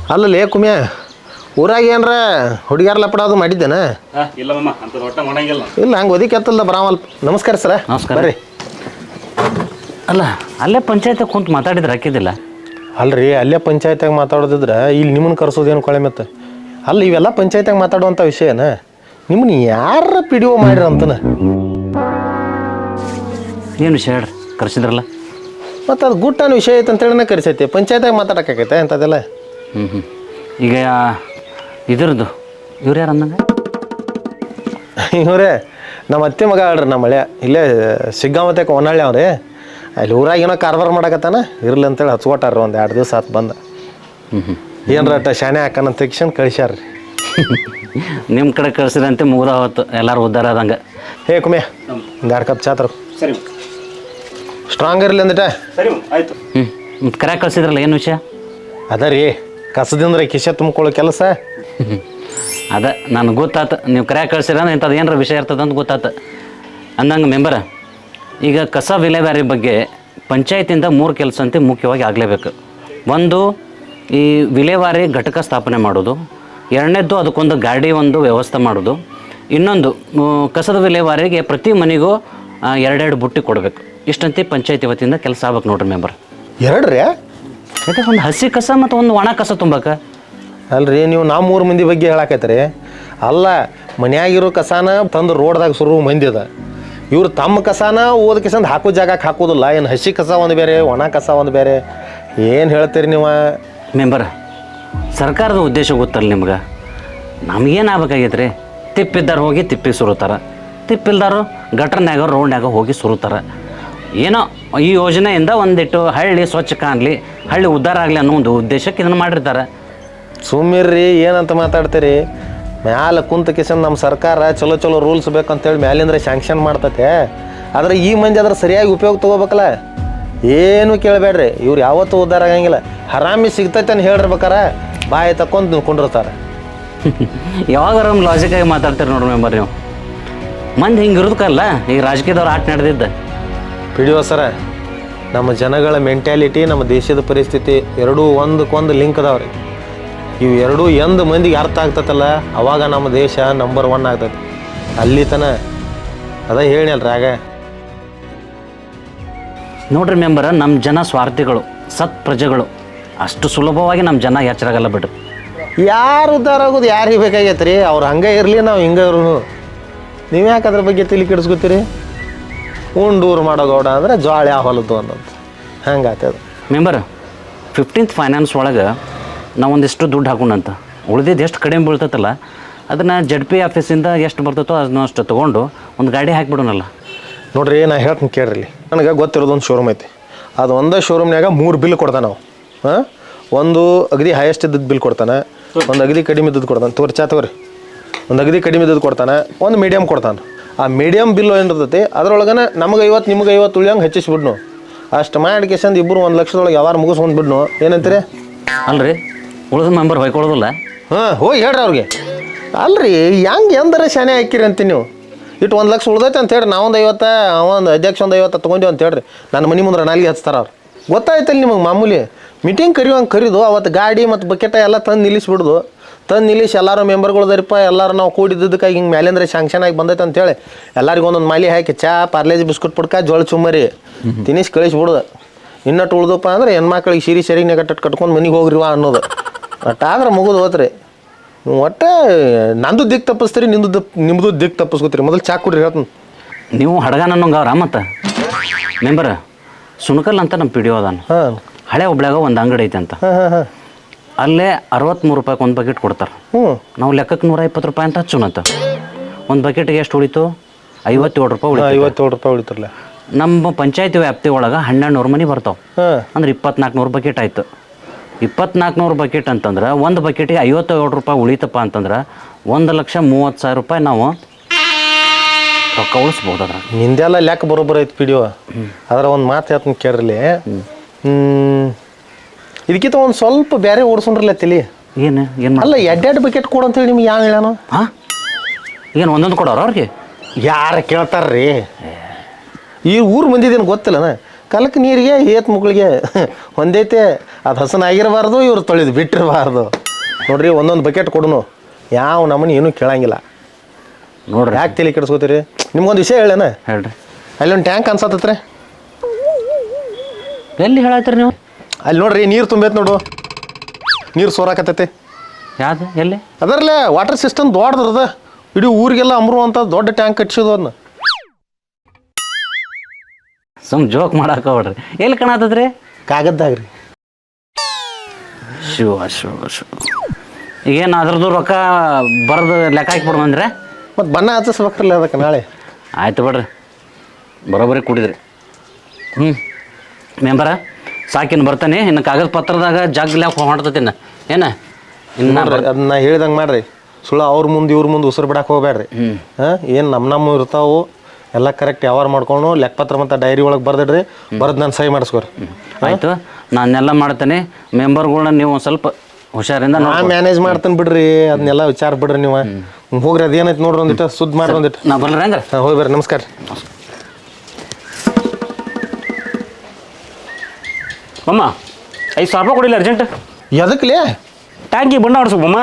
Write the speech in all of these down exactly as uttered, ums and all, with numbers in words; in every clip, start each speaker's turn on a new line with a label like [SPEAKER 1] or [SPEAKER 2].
[SPEAKER 1] ಅಲ್ಲಲ್ಲೇ ಕುಮ್ಯ ಊರಾಗ ಏನರ ಹುಡುಗಿಯಾರ ಲಪಡ ಅದು ಮಾಡಿದ್ದೇನೆ
[SPEAKER 2] ಇಲ್ಲ ಮಮ್ಮ ಅಂತ ಒಟ್ಟ ಮಾಡಂಗಿಲ್ಲ
[SPEAKER 1] ಇಲ್ಲ ಹಂಗೆ ಒದಿಕೆ ಎತ್ತಲ್ಲ ಬರಾಮಲ್ ನಮಸ್ಕಾರ ಸರ
[SPEAKER 3] ನಮಸ್ಕಾರ
[SPEAKER 1] ಬರ್ರಿ
[SPEAKER 3] ಅಲ್ಲ ಅಲ್ಲೇ ಪಂಚಾಯತ್ ಕುಂತು ಮಾತಾಡಿದ್ರೆ ಹಾಕಿದ್ದಿಲ್ಲ
[SPEAKER 1] ಅಲ್ರಿ ಅಲ್ಲೇ ಪಂಚಾಯತ್ಯಾಗ ಮಾತಾಡೋದಿದ್ರೆ ಇಲ್ಲಿ ನಿಮ್ಮನ್ನು ಕರ್ಸೋದೇನು ಕೊಳೆ ಮತ್ತೆ ಅಲ್ಲ ಇವೆಲ್ಲ ಪಂಚಾಯತ್ಯಾಗ ಮಾತಾಡುವಂಥ ವಿಷಯನ ನಿಮ್ಮನ್ನ ಯಾರ ಪಿ ಡಿ ಒ ಮಾಡಿರ ಅಂತನ
[SPEAKER 3] ಏನು ವಿಷಯ ಹೇಳ್ರಿ ಕರ್ಸಿದ್ರಲ್ಲ
[SPEAKER 1] ಮತ್ತು ಅದು ಗುಟ್ಟನ ವಿಷಯ ಐತೆ ಅಂತೇಳಿನ ಕರೆಸೈತಿ ಪಂಚಾಯತ್ಯಾಗ ಮಾತಾಡೋಕ್ಕಾಗೈತೆ ಅಂಥದ್ದೆಲ್ಲ
[SPEAKER 3] ಹ್ಞೂ ಹ್ಞೂ ಈಗ ಇದ್ರದ್ದು ಇವ್ರು ಯಾರು ಅಂದಂಗೆ
[SPEAKER 1] ಇವ್ರೇ ನಮ್ಮ ಅತ್ತೆ ಮಗ ಹೇಳ್ರಿ ನಮ್ಮ ಮಳೆ ಇಲ್ಲೇ ಸಿಗ್ಗಾಮತ್ತೆಗೆ ಹೊನ್ನಾಳಿ ಅವ್ರಿ ಅಲ್ಲಿ ಊರಾಗ ಏನೋ ಕಾರ್ಬಾರ್ ಮಾಡಕತ್ತಾನ ಇರ್ಲಿ ಅಂತೇಳಿ ಹಚ್ಕೊಟ್ಟಾರ ಒಂದು ಎರಡು ದಿವಸ ಆತು ಬಂದ
[SPEAKER 3] ಹ್ಞೂ ಹ್ಞೂ
[SPEAKER 1] ಏನರ ಶಾನೆ ಹಾಕನ ತೆಗಿಸ್ಕೊಂಡು ಕಳಿಸ್ಯಾರ್ರಿ
[SPEAKER 3] ನಿಮ್ಮ ಕಡೆ ಕಳ್ಸಿದಂತೆ ಮುಗ್ದ ಹೊತ್ತು ಎಲ್ಲರೂ ಉದ್ಧಾರ ಆದಂಗೆ
[SPEAKER 1] ಹೇ ಕುಮೆ ಒಂದು ಎರಡು ಕಪ್ ಚಾತ್ರ
[SPEAKER 2] ಸರಿ
[SPEAKER 1] ಸ್ಟ್ರಾಂಗ್ ಇರಲಿ ಅಂದಿಟ
[SPEAKER 2] ಸರಿ ಆಯ್ತು
[SPEAKER 3] ಹ್ಞೂ ಮತ್ತು ಕರೆ ಕಳ್ಸಿದ್ರಲ್ಲ ಏನು ವಿಷಯ
[SPEAKER 1] ಅದ ರೀ ಕಸದಿಂದ್ರೆ ಕಿಶೆ ತುಂಬ್ಕೊಳ್ಳೋ ಕೆಲಸ
[SPEAKER 3] ಅದ ನನಗೆ ಗೊತ್ತಾತು ನೀವು ಕರೆ ಕಳ್ಸಿರ ಇಂಥದ್ದು ಏನಾರ ವಿಷಯ ಇರ್ತದೆ ಅಂತ ಗೊತ್ತಾತು ಅಂದಂಗೆ ಮೆಂಬರ ಈಗ ಕಸ ವಿಲೇವಾರಿ ಬಗ್ಗೆ ಪಂಚಾಯತಿಂದ ಮೂರು ಕೆಲಸ ಅಂತ ಮುಖ್ಯವಾಗಿ ಆಗಲೇಬೇಕು. ಒಂದು ಈ ವಿಲೇವಾರಿ ಘಟಕ ಸ್ಥಾಪನೆ ಮಾಡೋದು, ಎರಡನೇದ್ದು ಅದಕ್ಕೊಂದು ಗಾಡಿ ಒಂದು ವ್ಯವಸ್ಥೆ ಮಾಡೋದು, ಇನ್ನೊಂದು ಕಸದ ವಿಲೇವಾರಿಗೆ ಪ್ರತಿ ಮನೆಗೂ ಎರಡೆರಡು ಬುಟ್ಟಿ ಕೊಡಬೇಕು. ಇಷ್ಟಂತೆ ಪಂಚಾಯತಿ ವತಿಯಿಂದ ಕೆಲಸ ಆಗ್ಬೇಕು ನೋಡ್ರಿ ಮೆಂಬರ್.
[SPEAKER 1] ಎರಡು ರೀ
[SPEAKER 3] ಯಾಕೆ ಒಂದು ಹಸಿ ಕಸ ಮತ್ತು ಒಂದು ಒಣ ಕಸ ತುಂಬಕ್ಕೆ
[SPEAKER 1] ಅಲ್ರಿ ನೀವು ನಾವು ಮೂರು ಮಂದಿ ಬಗ್ಗೆ ಹೇಳಾಕೈತ್ರಿ. ಅಲ್ಲ ಮನ್ಯಾಗಿರೋ ಕಸಾನ ತಂದು ರೋಡ್ದಾಗ ಸುರು ಮಂದಿ ಅದ, ಇವ್ರು ತಮ್ಮ ಕಸಾನ ಓದ ಕಿಸಂದು ಹಾಕೋ ಜಾಗಕ್ಕೆ ಹಾಕೋದಿಲ್ಲ. ಏನು ಹಸಿ ಕಸ ಒಂದು ಬೇರೆ ಒಣ ಕಸ ಒಂದು ಬೇರೆ, ಏನು ಹೇಳ್ತೀರಿ ನೀವು
[SPEAKER 3] ಮೆಂಬರ್? ಸರ್ಕಾರದ ಉದ್ದೇಶ ಗೊತ್ತಲ್ಲ ನಿಮ್ಗೆ. ನಮಗೇನು ಆಗ್ಬೇಕಾಗೈತೆ ರೀ? ತಿಪ್ಪಿದ್ದಾರು ಹೋಗಿ ತಿಪ್ಪಿಗೆ ಸುರುತ್ತಾರೆ, ತಿಪ್ಪಿಲ್ದಾರು ಗಟ್ರನ್ಯಾಗ ರೋಡ್ನ್ಯಾಗ ಹೋಗಿ ಸುರುತ್ತಾರೆ. ಏನೋ ಈ ಯೋಜನೆಯಿಂದ ಒಂದಿಟ್ಟು ಹಳ್ಳಿ ಸ್ವಚ್ಛ ಕಾಣಲಿ, ಹಳ್ಳಿ ಉದ್ಧಾರ ಆಗಲಿ ಅನ್ನೋ ಒಂದು ಉದ್ದೇಶಕ್ಕೆ ಇದನ್ನು ಮಾಡಿರ್ತಾರೆ.
[SPEAKER 1] ಸುಮ್ಮಿರ್ರಿ, ಏನಂತ ಮಾತಾಡ್ತೀರಿ? ಮ್ಯಾಲೆ ಕುಂತ ಕಿಸನ್ ನಮ್ಮ ಸರ್ಕಾರ ಚಲೋ ಚಲೋ ರೂಲ್ಸ್ ಬೇಕಂತೇಳಿ ಮ್ಯಾಲಿಂದ್ರೆ ಸ್ಯಾಂಕ್ಷನ್ ಮಾಡ್ತತೆ. ಆದರೆ ಈ ಮಂದಿ ಅದ್ರ ಸರಿಯಾಗಿ ಉಪಯೋಗ ತೊಗೋಬೇಕಲ್ಲ. ಏನು ಕೇಳಬೇಡ್ರಿ, ಇವ್ರು ಯಾವತ್ತೂ ಉದ್ಧಾರ ಆಗಂಗಿಲ್ಲ. ಹರಾಮಿ ಸಿಗ್ತೈತೆ ಅಂತ ಹೇಳಿರ್ಬೇಕಾರ ಬಾಯಿ ತಕ್ಕೊಂಡು ನಿಂತ್ಕೊಂಡಿರ್ತಾರೆ.
[SPEAKER 3] ಯಾವಾಗಾರ ಲಾಜಿಕಾಗಿ ಮಾತಾಡ್ತೀರಿ ನೋಡ್ರಿ ಮೆಂಬರ್ ನೀವು. ಮಂದಿ ಹಿಂಗೆ ಇರೋದಕ್ಕಲ್ಲ ಈಗ ರಾಜಕೀಯದವ್ರು ಆಟ ನಡೆದಿದ್ದ.
[SPEAKER 1] ಪಿಡಿಯೋ ಸರ, ನಮ್ಮ ಜನಗಳ ಮೆಂಟ್ಯಾಲಿಟಿ ನಮ್ಮ ದೇಶದ ಪರಿಸ್ಥಿತಿ ಎರಡೂ ಒಂದಕ್ಕೊಂದು ಲಿಂಕ್ ಅದಾವ್ರಿ. ಇವು ಎರಡೂ ಎಂದ ಮಂದಿಗೆ ಅರ್ಥ ಆಗ್ತತಲ್ಲ, ಅವಾಗ ನಮ್ಮ ದೇಶ ನಂಬರ್ ಒನ್ ಆಗ್ತೈತಿ. ಅಲ್ಲಿ ತನ ಅದ ಹೇಳಿನಲ್ರಿ ಆಗ.
[SPEAKER 3] ನೋಡ್ರಿ ಮೆಂಬರ, ನಮ್ಮ ಜನ ಸ್ವಾರ್ಥಿಗಳು, ಸತ್ ಪ್ರಜೆಗಳು. ಅಷ್ಟು ಸುಲಭವಾಗಿ ನಮ್ಮ ಜನ ಎಚ್ಚರಾಗಲ್ಲ ಬಿಡ್ರಿ.
[SPEAKER 1] ಯಾರು ಉದ್ಧಾರ ಆಗೋದು ಯಾರಿಗೆ ಬೇಕಾಗೈತೆ ರೀ? ಅವ್ರು ಹಂಗೆ ಇರಲಿ, ನಾವು ಹಿಂಗೆ ಇರು. ನೀವು ಯಾಕೆ ಅದ್ರ ಬಗ್ಗೆ ತಲೆ ಕೆಡಿಸ್ಕೊತೀರಿ? ಉಂಡೂರು ಮಾಡೋ ಗೌಡ ಅಂದರೆ ಜ್ವಾಳ ಯಾವ ಹೊಲದ್ದು ಅನ್ನೋದು ಹಂಗೆ ಆಗ್ತದೆ.
[SPEAKER 3] ಮೆಂಬರ್, ಫಿಫ್ಟೀನ್ತ್ ಫೈನಾನ್ಸ್ ಒಳಗೆ ನಾವು ಒಂದಿಷ್ಟು ದುಡ್ಡು ಹಾಕೊಂಡಂತ ಉಳಿದಿದ್ದು ಎಷ್ಟು ಕಡಿಮೆ ಬೀಳ್ತೈತಲ್ಲ, ಅದನ್ನು ಜಡ್ ಪಿ ಆಫೀಸಿಂದ ಎಷ್ಟು ಬರ್ತೈತೋ ಅದನ್ನ ಅಷ್ಟು ತೊಗೊಂಡು ಒಂದು ಗಾಡಿ ಹಾಕಿಬಿಡೋಣಲ್ಲ.
[SPEAKER 1] ನೋಡ್ರಿ, ನಾ ಹೇಳ್ತೀನಿ ಕೇಳ್ರಿ. ನನಗೆ ಗೊತ್ತಿರೋದೊಂದು ಶೋರೂಮ್ ಐತಿ. ಅದು ಒಂದೇ ಶೋರೂಮ್ನಾಗ ಮೂರು ಬಿಲ್ ಕೊಡ್ತಾನೆ ನಾವು. ಹಾಂ, ಒಂದು ಅಗದಿ ಹೈಯೆಸ್ಟ್ ಇದ್ದದ್ದು ಬಿಲ್ ಕೊಡ್ತಾನೆ, ಒಂದು ಅಗದಿ ಕಡಿಮೆ ಇದ್ದದ್ದು ಕೊಡ್ತಾನೆ. ತೋರಿ ಚಾ ತಗೋರಿ. ಒಂದು ಅಗದಿ ಕಡಿಮೆ ಇದ್ದದ್ದು ಕೊಡ್ತಾನೆ, ಒಂದು ಮೀಡಿಯಮ್ ಕೊಡ್ತಾನೆ. ಆ ಮೀಡಿಯಮ್ ಬಿಲ್ ಏನಿರ್ತೈತಿ ಅದ್ರೊಳಗನೆ ನಮಗೆ ಐವತ್ತು ನಿಮ್ಗೆ ಐವತ್ತು ಉಳಿಯಂಗೆ ಹೆಚ್ಚಿಸ್ಬಿಡ್ನು. ಅಷ್ಟು ಮಾಡಿ ಕೇಸಂದು ಇಬ್ಬರು ಒಂದು ಲಕ್ಷದೊಳಗೆ ಯಾವಾರು ಮುಗಿಸ್ಕೊಂಡು ಬಿಡ್ನು. ಏನಂತೀರಿ?
[SPEAKER 3] ಅಲ್ರಿ, ಉಳಿದ ಮೆಂಬರ್ ಹೊಯ್ಕೊಳ್ಳೋದಿಲ್ಲ.
[SPEAKER 1] ಹಾಂ, ಹೋಗಿ ಹೇಳ್ರಿ ಅವ್ರಿಗೆ. ಅಲ್ರಿ, ಹೆಂಗೆ ಎಂದರೆ ಶಾನೆ ಹಾಕಿರಿ ಅಂತೀನಿ ನೀವು. ಇಟ್ಟು ಒಂದು ಲಕ್ಷ ಉಳ್ದೈತೆ ಅಂತ ಹೇಳ್ರಿ, ನಾವೊಂದು ಐವತ್ತು, ಒಂದು ಅಧ್ಯಕ್ಷ ಒಂದು ಐವತ್ತು ತೊಗೊಂಡಿವಿ ಅಂತ ಹೇಳ್ರಿ. ನನ್ನ ಮನೆ ಮುಂದೆ ನಾಲ್ಗೆ ಹಚ್ತಾರ ಅವ್ರು. ಗೊತ್ತಾಯ್ತಲ್ಲ ನಿಮಗೆ? ಮಾಮೂಲಿ ಮೀಟಿಂಗ್ ಕರಿಯೋಂಗೆ ಕರೀದು ಅವತ್ತು ಗಾಡಿ ಮತ್ತು ಬಕೆಟ ಎಲ್ಲ ತಂದು ನಿಲ್ಲಿಸ್ಬಿಡ್ದು. ತಂದು ನಿಲ್ಲಿಸಿ ಎಲ್ಲರೂ ಮೆಂಬರ್ಗಳ್ದರಿಪ್ಪ ಎಲ್ಲರೂ ನಾವು ಕೂಡಿದ್ದಕ್ಕಾಗಿ ಹಿಂಗೆ ಮೇಲೆಂದ್ರೆ ಶಾಂಕ್ಷನ್ ಆಗಿ ಬಂದೈತೆ ಅಂತೇಳಿ ಎಲ್ಲರಿಗೂ ಒಂದೊಂದು ಮಾಲಿ ಹಾಕಿ ಚಾ, ಪಾರ್ಲೇಜ್ ಬಿಸ್ಕುಟ್ ಪುಡ್ಕ, ಜೋಳ ಚುಮ್ಮರಿ ತಿನ್ನಿಸಿ ಕಳಿಸ್ಬಿಡ್ದು. ಇನ್ನಟ್ಟು ಉಳ್ದಪ್ಪ ಅಂದ್ರೆ ಹೆಣ್ಮಕ್ಳಿಗೆ ಸೀರೆ ಸೆರಿಗೆ ಕಟ್ಟು ಕಟ್ಕೊಂಡು ಮನೆಗೆ ಹೋಗ್ರಿವಾ ಅನ್ನೋದು. ಒಟ್ಟಾದ್ರೆ ಮುಗಿದು ಹೋತ್ರಿ. ನೀವು ಒಟ್ಟು ನಂದು ದಿಕ್ಕು ತಪ್ಪಿಸ್ತೀರಿ, ನಿಂದು ದಪ್ ನಿಮ್ಮದು ದಿಕ್ಕು ತಪ್ಪಿಸ್ಕೊತೀರಿ. ಮೊದಲು ಚಾ ಕುಡ್ರಿ ಹೇಳ್ತೀನಿ.
[SPEAKER 3] ನೀವು ಹಡಗನ ಅನ್ನೋಂಗೆ ಅವ್ರ ಮತ್ತು ಮೆಂಬರ್ ಸುಣಕಲ್ ಅಂತ ನಮ್ಮ ಪಿ ಡಿ ಒ ಅದಾನ.
[SPEAKER 1] ಹಾಂ,
[SPEAKER 3] ಹಳೆ ಒಬ್ಳ್ಯಾಗ ಒಂದು ಅಂಗಡಿ ಐತೆ ಅಂತ.
[SPEAKER 1] ಹಾಂ ಹಾಂ ಹಾಂ
[SPEAKER 3] ಅಲ್ಲೇ ಅರವತ್ತ್ಮೂರು ರೂಪಾಯಿಗೆ ಒಂದು ಬಕೆಟ್ ಕೊಡ್ತಾರೆ.
[SPEAKER 1] ಹ್ಞೂ,
[SPEAKER 3] ನಾವು ಲೆಕ್ಕಕ್ಕೆ ನೂರ ಇಪ್ಪತ್ತು ರೂಪಾಯಿ ಅಂತ ಹಚ್ಚೋಣಂತ. ಒಂದು ಬಕೆಟ್ಗೆ ಎಷ್ಟು ಉಳಿತು? ಐವತ್ತೇಳು ರೂಪಾಯಿ ಉಳಿತು.
[SPEAKER 1] ಐವತ್ತೇಳು ರೂಪಾಯಿ ಉಳಿತಿರಲ್ಲ.
[SPEAKER 3] ನಮ್ಮ ಪಂಚಾಯತಿ ವ್ಯಾಪ್ತಿ ಒಳಗೆ ಹನ್ನೆರಡು ನೂರು ಮನೆ ಬರ್ತಾವೆ.
[SPEAKER 1] ಹಾಂ,
[SPEAKER 3] ಅಂದ್ರೆ ಇಪ್ಪತ್ನಾಲ್ಕು ನೂರು ಬಕೆಟ್ ಆಯಿತು. ಇಪ್ಪತ್ನಾಲ್ಕು ನೂರು ಬಕೆಟ್ ಅಂತಂದ್ರೆ ಒಂದು ಬಕೆಟಿಗೆ ಐವತ್ತೇಳು ರೂಪಾಯಿ ಉಳಿತಪ್ಪ ಅಂತಂದ್ರೆ ಒಂದು ಲಕ್ಷ ಮೂವತ್ತು ಸಾವಿರ ರೂಪಾಯಿ ನಾವು ರೊಕ್ಕ ಉಳಿಸ್ಬೋದು. ಅದ್ರ
[SPEAKER 1] ನಿಂದೆಲ್ಲ ಲೆಕ್ಕ ಬರೋಬ್ಬರ ಐತಿ ಪಿ ಡಿ ಒ. ಅದ್ರ ಒಂದು ಮಾತು ಹೇಳ್ತೀನಿ ಕೇಳ್ರಲಿ. ಹ್ಞೂ, ಇದಕ್ಕಿಂತ ಒಂದು ಸ್ವಲ್ಪ ಬೇರೆ ಓಡಿಸ್ಕೊಂಡ್ರಲ್ಲ ತಲಿ.
[SPEAKER 3] ಏನು ಏನು
[SPEAKER 1] ಅಲ್ಲ, ಎರಡೆರಡು ಬಕೆಟ್ ಕೊಡು ಅಂತೇಳಿ ನಿಮ್ಗೆ ಯಾವ ಹೇಳೋಣ?
[SPEAKER 3] ಹಾಂ, ಏನು ಒಂದೊಂದು ಕೊಡೋರು ಅವ್ರಿಗೆ?
[SPEAKER 1] ಯಾರು ಕೇಳ್ತಾರ್ರಿ? ಈ ಊರು ಮಂದಿದೇನು ಗೊತ್ತಿಲ್ಲನ? ಕಲಕ್ಕೆ ನೀರಿಗೆ ಏತ್ ಮುಗಳಿಗೆ ಒಂದೈತೆ. ಅದು ಹಸನಾಗಿರಬಾರ್ದು ಇವ್ರು ತೊಳೆದು ಬಿಟ್ಟಿರಬಾರ್ದು ನೋಡ್ರಿ ಒಂದೊಂದು ಬಕೆಟ್ ಕೊಡುನು ಯಾವ ನಮ್ಮನೆ ಏನೂ ಕೇಳಂಗಿಲ್ಲ
[SPEAKER 3] ನೋಡ್ರಿ
[SPEAKER 1] ಯಾಕೆ ತಲೆ ಕೆಡಿಸ್ಕೋತೀರಿ ನಿಮ್ಗೊಂದು ವಿಷಯ ಹೇಳೇನ
[SPEAKER 3] ಹೇಳ್ರಿ
[SPEAKER 1] ಅಲ್ಲಿ ಒಂದು ಟ್ಯಾಂಕ್ ಅನ್ಸತ್ತತ್ರೆ
[SPEAKER 3] ಎಲ್ಲಿ ಹೇಳತ್ತೀರಿ ನೀವು
[SPEAKER 1] ಅಲ್ಲಿ ನೋಡ್ರಿ ನೀರು ತುಂಬೈತೆ ನೋಡು ನೀರು ಸೋರಾಕತ್ತೈತೆ
[SPEAKER 3] ಯಾವ್ದು ಎಲ್ಲಿ
[SPEAKER 1] ಅದರಲ್ಲೇ ವಾಟರ್ ಸಿಸ್ಟಮ್ ದೊಡ್ಡದ್ರದ ಇಡೀ ಊರಿಗೆಲ್ಲ ಅಮ್ರು ಅಂತ ದೊಡ್ಡ ಟ್ಯಾಂಕ್ ಕಟ್ಸಿದ್ದು ಅದನ್ನ
[SPEAKER 3] ಸುಮ್ ಜೋಕ್ ಮಾಡಾಕ ಹೊಡ್ರಿ ಎಲ್ಲಿ ಕಾಣತ್ತದ್ರಿ
[SPEAKER 1] ಕಾಗದ್ದಾಗ ರೀ
[SPEAKER 3] ಶಿವ ಶಿವ ಶಿವ ಈಗೇನು ಅದ್ರದ್ದು ರೊಕ್ಕ ಬರೆದು ಲೆಕ್ಕ ಹಾಕಿಬಿಡು ಅಂದ್ರೆ
[SPEAKER 1] ಮತ್ತು ಬಣ್ಣ ಹಚ್ಚಿಸ್ಬೇಕ್ರಲ್ಲ ಅದಕ್ಕೆ ನಾಳೆ
[SPEAKER 3] ಆಯ್ತು ಬಿಡ್ರಿ ಬರೋಬ್ಬರಿ ಕುಡಿದ್ರಿ ಹ್ಞೂ ಮೆಂಬರ ಸಾಕಿನ್ ಬರ್ತಾನೆ ಇನ್ನು ಕಾಗದ ಪತ್ರದಾಗ ಜಗ್ಲಾಕ ಹೊಂಟ್ತತಿನ ಏನ ಇನ್ನು
[SPEAKER 1] ನೋಡ್ರಿ ಅದನ್ನ ಹೇಳ್ದಂಗೆ ಮಾಡ್ರಿ ಸುಳ್ಳು ಅವ್ರ ಮುಂದೆ ಇವ್ರ ಮುಂದೆ ಉಸಿರು ಬಿಡಕ್ಕೆ ಹೋಗ್ಬೇಡ್ರಿ ಹಾಂ ಏನು ನಮ್ಮ ನಮ್ಮ ಇರ್ತಾವು ಎಲ್ಲ ಕರೆಕ್ಟ್ ಯಾವಾರ ಮಾಡ್ಕೊಂಡು ಲೆಕ್ಕಪತ್ರ ಮತ್ತು ಡೈರಿ ಒಳಗೆ ಬರ್ದಿಡ್ರಿ ಬರ್ದು ನಾನು ಸಹಿ ಮಾಡಿಸ್ಕೊರಿ
[SPEAKER 3] ಆಯಿತು ನಾನೆಲ್ಲ ಮಾಡ್ತೇನೆ ಮೆಂಬರ್ಗಳ್ನ ನೀವು ಒಂದು ಸ್ವಲ್ಪ ಹುಷಾರಿಂದ
[SPEAKER 1] ನಾ ಮ್ಯಾನೇಜ್ ಮಾಡ್ತೇನೆ ಬಿಡ್ರಿ ಅದನ್ನೆಲ್ಲ ವಿಚಾರ ಬಿಡ್ರಿ ನೀವು ಹೋಗ್ರಿ ಅದೇನೈತೆ ನೋಡ್ರಿ ಒಂದಿಟ್ಟು ಸುದ್ದಿ ಮಾಡ್ರಿ ಒಂದಿಟ್ಟು
[SPEAKER 3] ನಾ ಬರ್ರಿ ಹಂಗಾರೆ
[SPEAKER 1] ಹಾಂ ಹೋಗಿ ಬರ್ರಿ ನಮಸ್ಕಾರ
[SPEAKER 2] ಮಮ್ಮ ಐದು ಸಾವಿರ ರೂಪಾಯಿ ಕೊಡಿಲ್ಲ ಅರ್ಜೆಂಟ್
[SPEAKER 1] ಎದಕ್ಲೇ
[SPEAKER 2] ಟ್ಯಾಂಕಿ ಬಣ್ಣ ಹೊಡ್ಸು ಮಮ್ಮ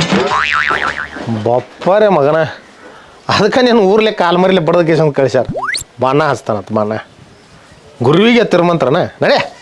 [SPEAKER 1] ಬಪ್ಪರೇ ಮಗನ ಅದಕ್ಕೆ ನೀನು ಊರ್ಲೆ ಕಾಲು ಮರಿಲೆ ಬಡ್ದ ಕೇಸಂತ ಕಳಿಸ್ಯಾರ ಬಣ್ಣ ಹಚ್ತಾನತ್ ಬಣ್ಣ ಗುರುವಿಗೆ ತಿರುಮಂತ್ರನ ನಡೆ